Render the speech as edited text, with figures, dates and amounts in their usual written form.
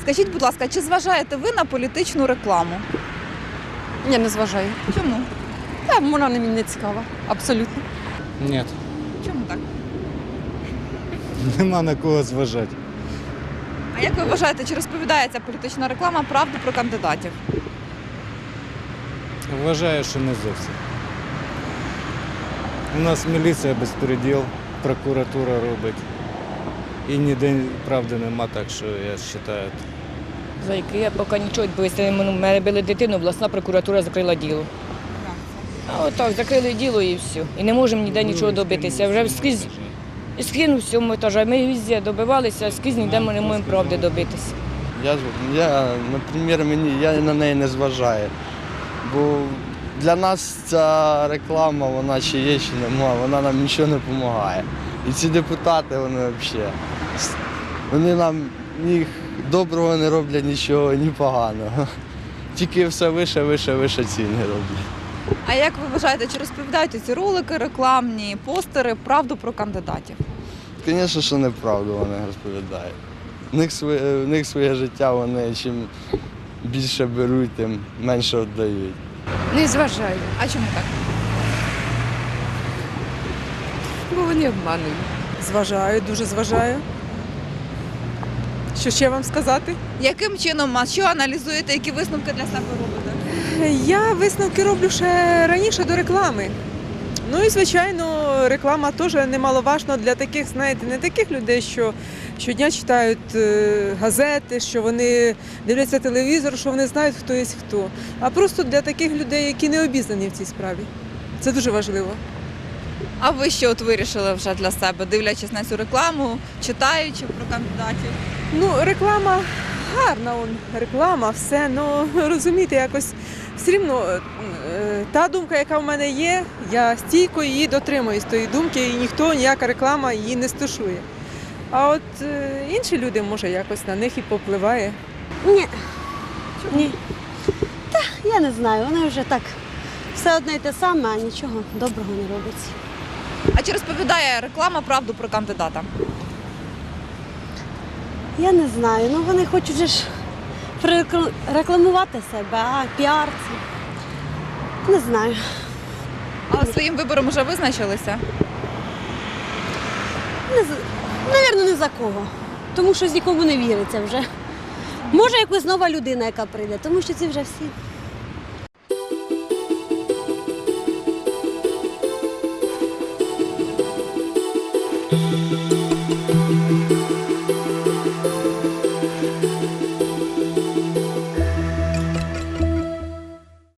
Скажіть, будь ласка, чи зважаєте ви на політичну рекламу? Ні, не зважаю. Чому? Та вона мені не цікава. Абсолютно. Нет, Чому так? нема на кого зважати. А як ви вважаєте, чи розповідає ця політична реклама правду про кандидатів? Вважаю, що не зовсім. У нас міліція безпреділ, прокуратура робить. І ніде правди нема, так що я вважаю. За який я поки нічого відповісти. Мене били дитину, обласна прокуратура закрила діло. А отак, закрили діло і все. І не можемо ніде нічого добитися. Вже скрізь скинув всьому етажу. Ми везде добивалися, а скрізь ніде ми не можемо правди добитися. Наприклад, я на неї не зважаю. Бо для нас ця реклама, вона чи є, чи немає, вона нам нічого не допомагає. І ці депутати, вони взагалі, вони нам ні доброго не роблять нічого, ні поганого. Тільки все вище ціни роблять. А як ви вважаєте, чи розповідають ці ролики, рекламні постери правду про кандидатів? Звісно, що неправду вони розповідають. В них своє життя, вони чим більше беруть, тим менше віддають. Не зважаю, А чому так? бо вони обманують. Зважаю, дуже зважаю. Що ще вам сказати? Яким чином, а що аналізуєте, які висновки для себе робите? Я висновки роблю ще раніше до реклами. Ну і, звичайно, реклама теж немаловажна для таких, знаєте, не таких людей, що щодня читають газети, що вони дивляться телевізор, що вони знають, хто є хто. А просто для таких людей, які не обізнані в цій справі. Це дуже важливо. А ви що от вирішили вже для себе, дивлячись на цю рекламу, читаючи про кандидатів? Ну, реклама гарна, реклама, все, ну розумієте, якось все рівно та думка, яка в мене є, я стійко її дотримуюсь тої думки, і ніхто, ніяка реклама її не стушує. А от інші люди, може, якось на них і попливає. Ні. Ні. Та я не знаю, вони вже так все одне й те саме, а нічого доброго не робиться. А чи розповідає реклама правду про кандидата? Я не знаю, ну вони хочуть же ж рекламувати себе, а піар це. Не знаю. Але своїм вибором вже визначилися? Навірно, не за кого. Тому що з нікому не віриться вже. Може, якась нова людина, яка прийде, тому що ці вже всі.